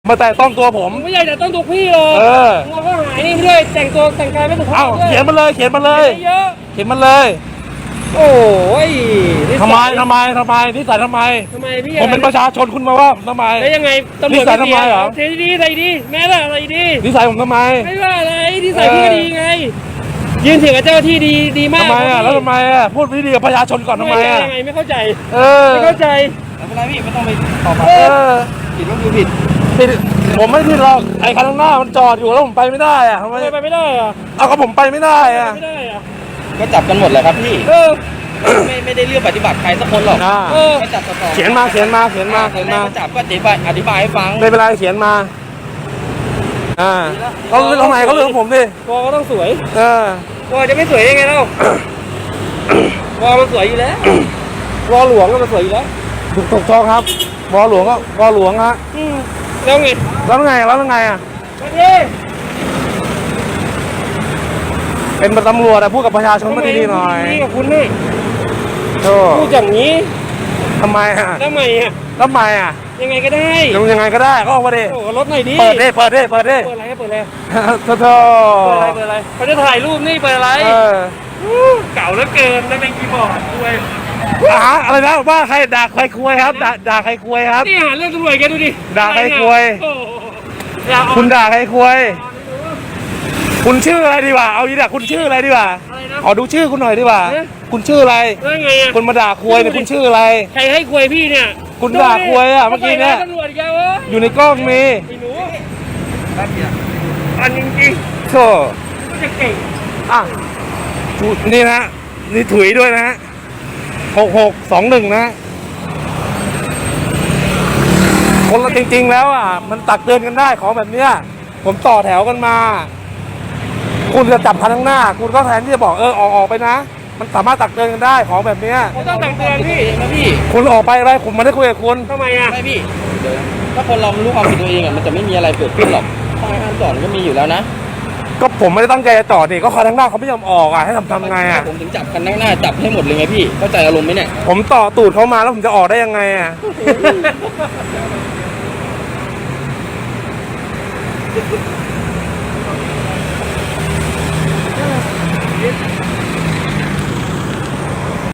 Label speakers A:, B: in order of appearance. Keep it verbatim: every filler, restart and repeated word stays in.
A: มาแต่ต้องตัวผม
B: ไม่อยากจะต้องตัวพี่หรอก
A: เออ
B: เราก็หายนี่ไม่ได้แต่งตัวแต่งกายไม่ถูกต้อง
A: เอ้าเขียนมาเลยเขียนมาเลย
B: เยอะ
A: เขียนมาเลย
B: โอ้ย
A: ทำไมทำไมทำไมนิสัยทำไม
B: ทำไมพี่
A: ผมเป็นประชาชนคุณมาว่าทำไม
B: แล้วยังไงตำรวจ
A: นิสัยทำไมเหรอ
B: เทดีอะไรดีแม่ละอะไรดี
A: นิสัยผมทำไม
B: ไม่ว่าอะไรนิสัยพี่ก็ดีไงยืนเถียงกับเจ้าที่ดีดีมาก
A: ทำไมอ่ะแล้วทำไมอ่ะพูดดีกับประชาชนก่อนทำไมอ่ะ
B: ยังไงไม่เข้าใจ
A: เออ
B: ไม่เข้าใจ
C: ไม่เป็นไรพี่ไม่ต้องไปตอบ
A: เออ
C: ผิดก็คือผิด
A: ผิดผมไม่ผิดหรอกไอ้คันข้างหน้ามันจอดอยู่แล้วผมไปไม่ได้อ่ะทำไม
B: ไปไม่ได้อะ
A: เอาก็ผมไปไม่ได้อ่ะ
B: ไม่ได้อะ
C: ก็จับกันหมดเลยครับพี่
B: เออ
C: ไม่ไม่ได้เลือกปฏิบัติใครสักคนหรอกก็จับต่อ
A: เขียนมาเขียนมาเขียนมาเขียนมา
C: จับก็อธิบายอธิบายให้ฟัง
A: ไม่เป็นไรเขียนมาอ่าเขาเรื่องทำไมเขาเรื่องผมดิ
B: วอก็ต้องสวย
A: เออ
B: วอจะไม่สวยได้ไงเล่าวอมันสวยอยู่แล้ววอหลวงก็มันสวยอยู่แล้ว
A: ถูกถูกต้องครับวอหลวงก็วอหลวงฮะ
B: แล้วไง
A: แล้วไงแล้วไงอ่ะเป็นตำรวจอะพูดกับประชาชนมาดีๆหน่อย
B: นี่กับคุณนี่พูดอย่างนี้
A: ทำไมอ่ะ
B: ทำไมอ่ะ
A: ทำไมอ่ะ
B: ยังไงก็ได้
A: ยังไงก็ได้ก็ออกมาดิ
B: โอ้รถหน่อยดิ
A: เปิดดิเปิดดิเปิดดิ
B: เปิดอะไรเปิดอะไร
A: โธ่โธ่
B: เปิดอะไรเปิดอะไรเขาจะถ่ายรูปนี่เปิดอะไรเก่าเหลือเกินนั่นเป็นคีย์บอร์ดด้วย
A: อ่ะอะไรนะว่าใครด่าใครคุยครับด่าด่าใครคุยครับ
B: นี่หาเรื่องตำรวจแกดูดิ
A: ด่าใครคุยคุณด่าใครคุยคุณชื่ออะไรดีกว่าเอาดีด่าคุณชื่ออะไรดีกว่าขอดูชื่อคุณหน่อยดีกว่าคุณชื่ออะไรคุณมาด่าคุยเนี่ยคุณชื่ออะไร
B: ใครให้คุยพี่เนี่ย
A: คุณด่าคุยอ่ะเมื่อกี้เนี่ยอยู่ในกล้องมี
B: อันจริง
A: ๆโธ่
B: จะเก่ง
A: อ่ะนี่นะนี่ถุยด้วยนะฮะหกหกสองหนึ่งนะคนละจริงๆแล้วอ่ะมันตักเตือนกันได้ของแบบเนี้ยผมต่อแถวกันมาคุณจะจับคันข้างหน้าคุณก็แทนที่จะบอกเออออกออกไปนะมันสามารถตักเตือนกันได้ของแบบเนี้ย
B: ผมต้องตักเตือนพี่
C: นะพี่
A: คุณออกไปอะไรผมไม่ได้คุยกับคุณ
B: ทำไมอ่ะ
C: ไม่พี่ถ้าคนเรารู้ความผิดตัวเองอ่ะมันจะไม่มีอะไรเกิดขึ้นหรอกป้ายห้ามจอดก็มีอยู่แล้วนะ
A: ก็ผมไม่ได้ตั้งใจจะจอดนี่ก็คันข้างหน้าเขาไม่ยอมออกอ่ะให้ทำทำไงอ่ะ
C: ผมถึงจับคันข้างหน้าจับให้หมดเลยไงพี่เข้าใจอารมณ์ไหมเนี่ย
A: ผมต่อตูดเขามาแล้วผมจะออกได้ยังไงอ่ะ